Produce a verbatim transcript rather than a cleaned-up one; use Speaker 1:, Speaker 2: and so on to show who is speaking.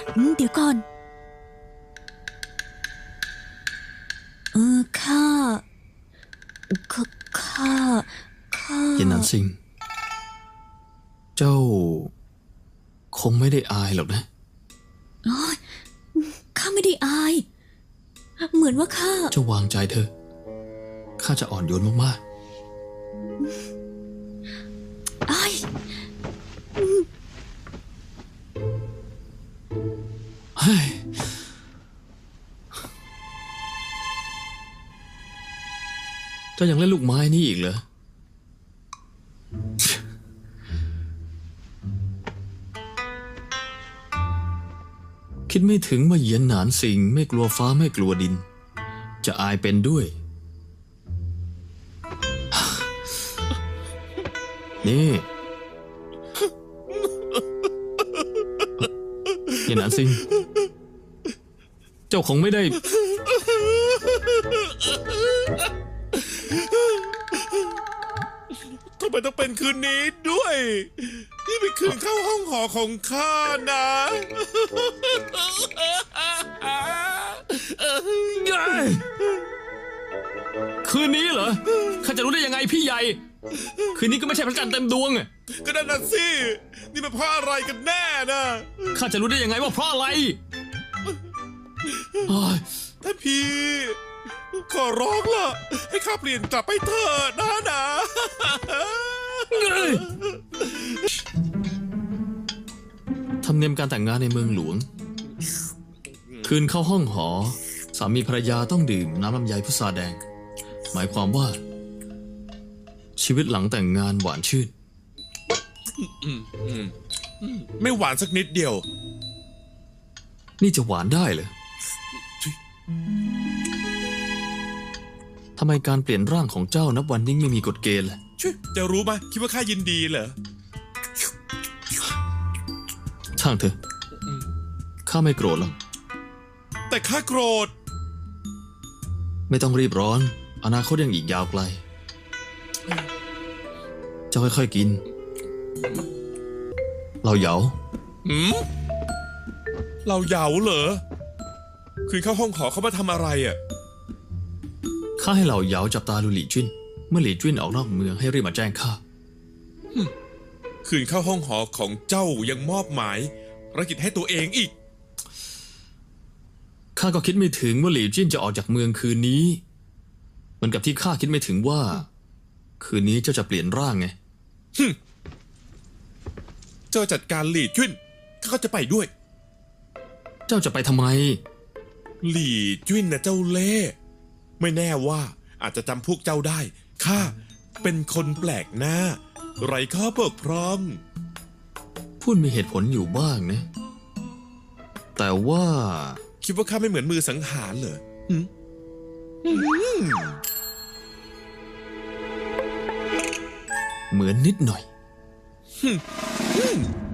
Speaker 1: อืมเดี๋ยวก่อนเออข้าข้าข้าข้า
Speaker 2: เย็นนันซิงเจ้าคงไม่ได้อายหรอกนะ
Speaker 1: โอ๊ยข้าไม่ได้อาย เหมือนว่าข้า
Speaker 2: เจ้าวางใจเธอข้าจะอ่อนโยนมาก
Speaker 1: อาย
Speaker 2: ๆเฮ้ยเจ้ายังเล่นลูกไม้นี่อีกเหรอ คิดไม่ถึงว่าเหยียนหนานสิงไม่กลัวฟ้าไม่กลัวดิน จะอายเป็นด้วย นี่เหยียนหนานสิงเจ้าคงไม่ได้
Speaker 3: ทำไมต้องเป็นคืนนี้ด้วยนี่เป็นคืนเข้าห้องหอของข้านะ
Speaker 2: คืนนี้เหรอข้าจะรู้ได้ยังไงพี่ใหญ่คืนนี้ก็ไม่ใช่พระจันทร์เต็มดวง
Speaker 3: ก็นั่นน่ะสินี่มันเพราะอะไรกันแน่นะ
Speaker 2: ข้าจะรู้ได้ยังไงว่าเพราะอะไร
Speaker 3: ท่านพี่ขอร้องล่ะให้ข้าเปลี่ยนกลับไปเถอะนะนะ
Speaker 2: ธรรมเนียมการแต่งงานในเมืองหลวงคืนเข้าห้องหอสามีภรรยาต้องดื่มน้ำลำไยพุทราแดงหมายความว่าชีวิตหลังแต่งงานหวานชื่น
Speaker 3: ไม่หวานสักนิดเดียว
Speaker 2: นี่จะหวานได้เหรอทำไมการเปลี่ยนร่างของเจ้านับวันยิ่งไม่มีกฎเกณฑ์ล่ะ
Speaker 3: ช่วยจะรู้ไหมคิดว่าข้ายินดีเหรอ
Speaker 2: ช่างเถอะข้าไม่โกรธหรอก
Speaker 3: แต่ข้าโกรธ
Speaker 2: ไม่ต้องรีบร้อนอนาคตยังอีกยาวไกลเจ้าค่อยๆกินเราเหยา
Speaker 3: หืมเราเหยาเหรอคืนเข้าห้องหอเขามาทำอะไรอ่ะ
Speaker 2: ข้าให้เหล่าเหยาจับตาดูหลี่จิ้นเมื่อหลี่จิ้นออกนอกเมืองให้รีบมาแจ้งข้า
Speaker 3: คืนเข้าห้องหอของเจ้ายังมอบหมายภารกิจให้ตัวเองอีก
Speaker 2: ข้าก็คิดไม่ถึงว่าหลี่จิ้นจะออกจากเมืองคืนนี้เหมือนกับที่ข้าคิดไม่ถึงว่าคืนนี้เจ้าจะเปลี่ยนร่างไง
Speaker 3: เจ้าจัดการหลี่จิ้นข้าก็จะไปด้วย
Speaker 2: เจ้าจะไปทำไม
Speaker 3: หลี่จิ้นนะเจ้าเล่ห์ไม่แน่ว่าอาจจะจำพวกเจ้าได้ข้าเป็นคนแปลกหน้าไร้ข้อบกพร่อง
Speaker 2: พูดมีเหตุผลอยู่บ้างนะแต่ว่า
Speaker 3: คิดว่าข้าไม่เหมือนมือสังหารเหรอ
Speaker 2: เหมือนนิดหน่อย